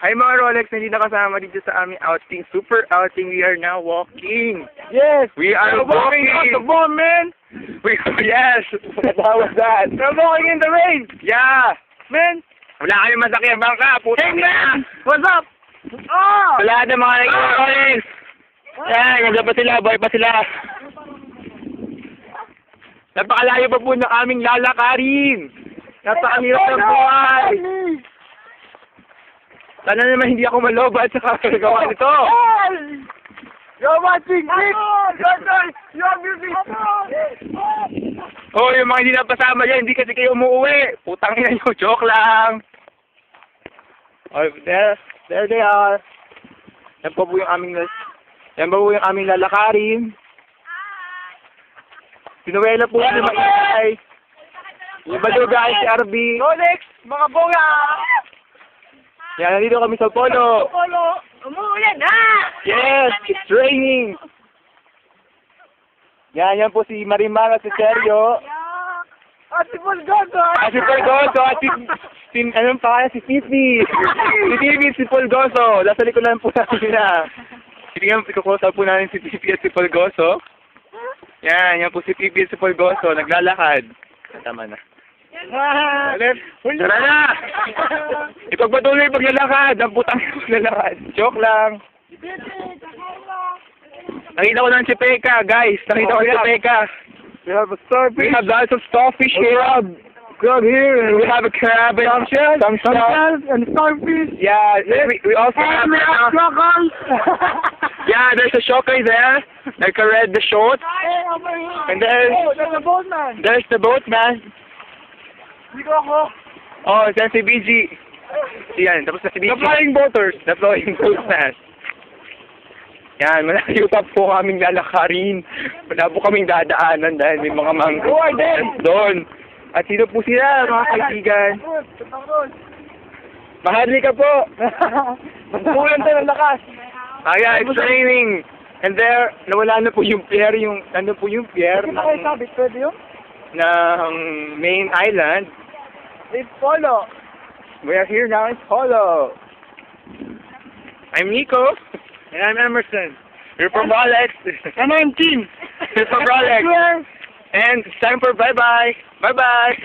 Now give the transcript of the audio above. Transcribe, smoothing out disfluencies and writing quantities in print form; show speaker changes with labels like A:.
A: Hi mga Rolex, hindi na kasama dito sa aming outing. Super outing. We are now walking.
B: Yes!
A: We are walking
B: out the bomb, man!
A: Yes!
B: How was that?
A: We're walking in the rain! Yeah!
B: Man!
A: Wala kami masakyan bangka. Puta
B: Hey,
A: na!
B: man! What's up? Oh!
A: Wala na mga nag-Rolex! Yan, nandiyan pa sila. Boy pa sila. Napakalayo pa po ng aming lalakarin. Napakahirap ng buhay. Sana naman hindi ako malobat sa kakagawa nito.
B: You're watching it! You're music!
A: Oh, yung mga hindi napasama dyan, hindi kasi kayo umuwi. Putang ina nyo, joke lang. Oh, there they are. Yan po yung aming lalakarin. Sinuwela po si Maingay. Yung baluga si RB.
B: Rolex! Mga boga!
A: Yan, nandito kami sa Polo.
B: Polo! Umuulan na!
A: Yes, it's raining. Yan po si Marimar at si Sergio.
B: Si Pulgoso!
A: Si Polgoso at anong pangalan? Si Fifi. Si Fifi at si Polgoso. Nasa likuran po namin na. Tingnan, ikukusap po namin si Fifi at si Polgoso. Yan po si Fifi at si Polgoso. Naglalakad. Tama na. Tara na! Ipagpatuloy paglalakad. Ang putang paglalakad. Joke lang. Nakita ko lang si Peka, guys. Nakita ko si Peka.
B: We have a starfish.
A: We have lots of starfish here.
B: Crab here.
A: And we have a crab and some shells.
B: And starfish.
A: Yeah, we also have yeah, there's a shokai there. Like a red the short. And
B: there's a boatman.
A: There's the boatman.
B: Dito ako.
A: Oh, there's si BG. Yan, tapos na si BG.
B: The flying boaters.
A: The flying boatman. Yan, malayo pa po kaming lalakarin. Wala po kaming dadaanan dahil may mga mangroves doon. At sino po sila, mga kaibigan? Mahali ka po.
B: Magpulan tayo ng lakas.
A: Yeah, it's raining. And there, nawala na po yung pier, ano po yung pier
B: Hindi na kayo sabit, pwede yun?
A: ng main island.
B: It's Polo.
A: We are here now in Polo. I'm Nico.
B: And I'm Emerson.
A: We're from Rolex.
B: And I'm Tim.
A: We're from Rolex. And it's time for bye-bye. Bye-bye.